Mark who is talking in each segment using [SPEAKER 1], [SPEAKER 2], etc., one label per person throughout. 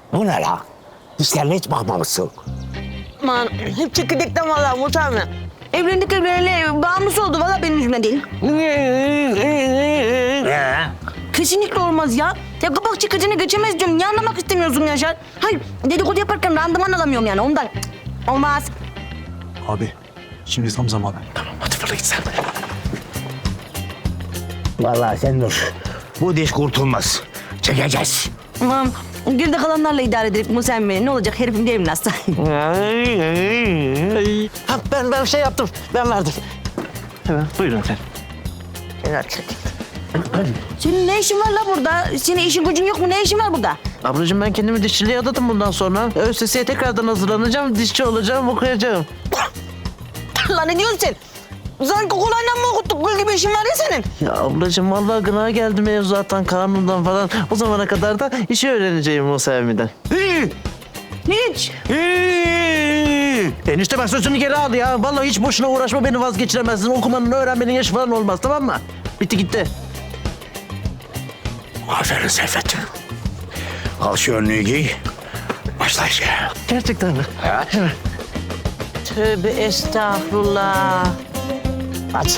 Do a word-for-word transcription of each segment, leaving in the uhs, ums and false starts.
[SPEAKER 1] Bu ne la? Dişlerine hiç bakmamışsın.
[SPEAKER 2] Aman hep çekirdekten vallahi Muhtar mı? Evlendik evleneli bağımlısı oldu vallahi benim yüzümden değil.
[SPEAKER 1] Ee?
[SPEAKER 2] Kesinlikle olmaz ya. Ya kapak çıkacını geçemez diyorum. Niye anlamak istemiyorsun Yaşar? Hayır dedikodu yaparken randıman alamıyorum yani ondan. Cık, olmaz.
[SPEAKER 3] Abi şimdi tam zamanı.
[SPEAKER 1] Tamam hadi fırla git sen. Vallahi sen dur. Bu diş kurtulmaz. Çekeceğiz.
[SPEAKER 2] Aman geride kalanlarla idare edelim Musa emmi. Ne olacak herifim değilim nasıl?
[SPEAKER 4] Ha, ben ben şey yaptım. Ben verdim.
[SPEAKER 3] Hemen buyurun efendim.
[SPEAKER 2] Senin ne işin var la burada? Senin işin gücün yok mu? Ne işin var burada?
[SPEAKER 4] Ablacığım ben kendimi dişçiliğe adadım bundan sonra. ÖSS'ye tekrardan hazırlanacağım. Dişçi olacağım, okuyacağım.
[SPEAKER 2] Lan ne diyorsun sen? Sanki kolayla mı okuttuk? Böyle bir işin var ya senin.
[SPEAKER 4] Ya ablacığım vallahi gına geldi mevzuattan, kanundan falan. O zamana kadar da işi öğreneceğim Musa emmi'den.
[SPEAKER 2] Hiç.
[SPEAKER 4] Enişte bak sözünü geri al ya. Vallahi hiç boşuna uğraşma, beni vazgeçiremezsin. Okumanın, öğrenmenin yaşı falan olmaz, tamam mı? Bitti gitti.
[SPEAKER 1] Aferin Seyfettin. Al şu önlüğü giy. Başla işe.
[SPEAKER 4] Gerçekten mi?
[SPEAKER 1] Evet.
[SPEAKER 2] Tövbe estağfurullah.
[SPEAKER 1] Hadi.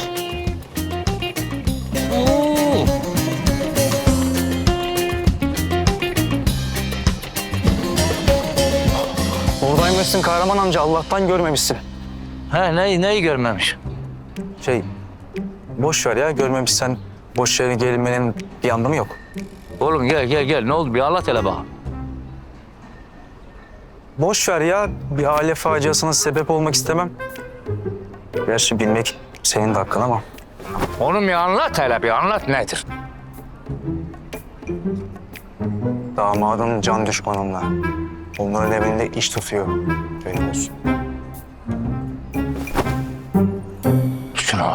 [SPEAKER 3] Oradaymışsın Kahraman amca. Allah'tan görmemişsin.
[SPEAKER 4] Ha neyi, neyi görmemiş?
[SPEAKER 3] Şey, boş ver ya. Görmemişsen boş yere gelinmenin bir anlamı yok.
[SPEAKER 5] Oğlum gel gel gel. Ne oldu? Bir anlat hele bak.
[SPEAKER 3] Boş ver ya. Bir aile faciasına sebep olmak istemem. Gerçi bilmek senin de hakkın ama.
[SPEAKER 5] Oğlum bir anlat hele bir anlat nedir?
[SPEAKER 3] Damadım can düşmanımla. Onların evinde iş tutuyor. Benim olsun.
[SPEAKER 5] Şunu.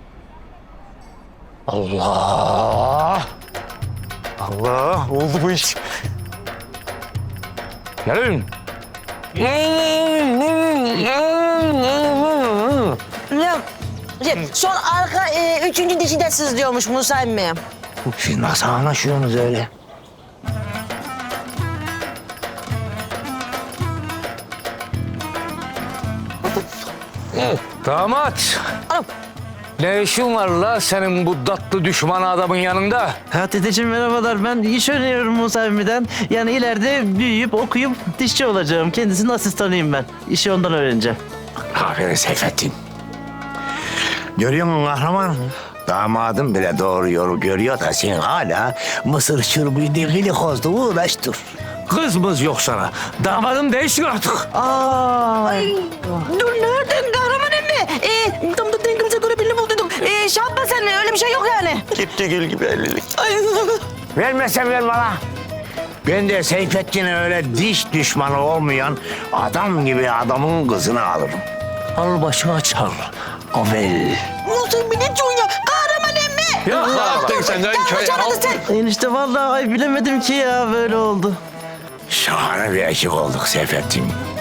[SPEAKER 5] Allah!
[SPEAKER 3] Allah, oldu bu iş.
[SPEAKER 5] Gelin.
[SPEAKER 2] Ya, ya, son arka e, üçüncü dişi de sızlıyormuş Musa emmi.
[SPEAKER 1] Siz nasıl anlaşıyorsunuz öyle?
[SPEAKER 5] Damat.
[SPEAKER 2] Anam.
[SPEAKER 5] Ne işin var la senin bu tatlı düşman adamın yanında?
[SPEAKER 4] Ha dedeciğim merhabalar. Ben iş öğreniyorum Musa emmi'den. Yani ileride büyüyüp okuyup dişçi olacağım. Kendisinin asistanıyım ben. İşi ondan öğreneceğim.
[SPEAKER 1] Aferin Seyfettin. Görüyor musun kahraman? Damadım bile doğru yolu görüyor da sen hala mısır çırpıyı dikili kozdu uğraş dur. Kızımız yok sana. Damadım değişsin artık.
[SPEAKER 4] Ay.
[SPEAKER 2] Dur nereden kahraman emmi? E, tam da dengimize göre birini bulduyduk. E, şey yapma sen öyle bir şey yok yani.
[SPEAKER 3] Gitti gül gibi ellilik.
[SPEAKER 2] Ay,
[SPEAKER 1] Vermezsen ver bana. Ben de Seyfettin'e öyle diş düşmanı olmayan adam gibi adamın kızını alırım. Al başına çal. Avel.
[SPEAKER 2] Musa emmi ne diyorsun ya? Kahraman emmi.
[SPEAKER 5] Ya ne yaptın sen lan köye?
[SPEAKER 2] Çanadı sen.
[SPEAKER 4] Enişte vallahi ay bilemedim ki ya böyle oldu.
[SPEAKER 1] Şahane bir ekip olduk Seyfettin.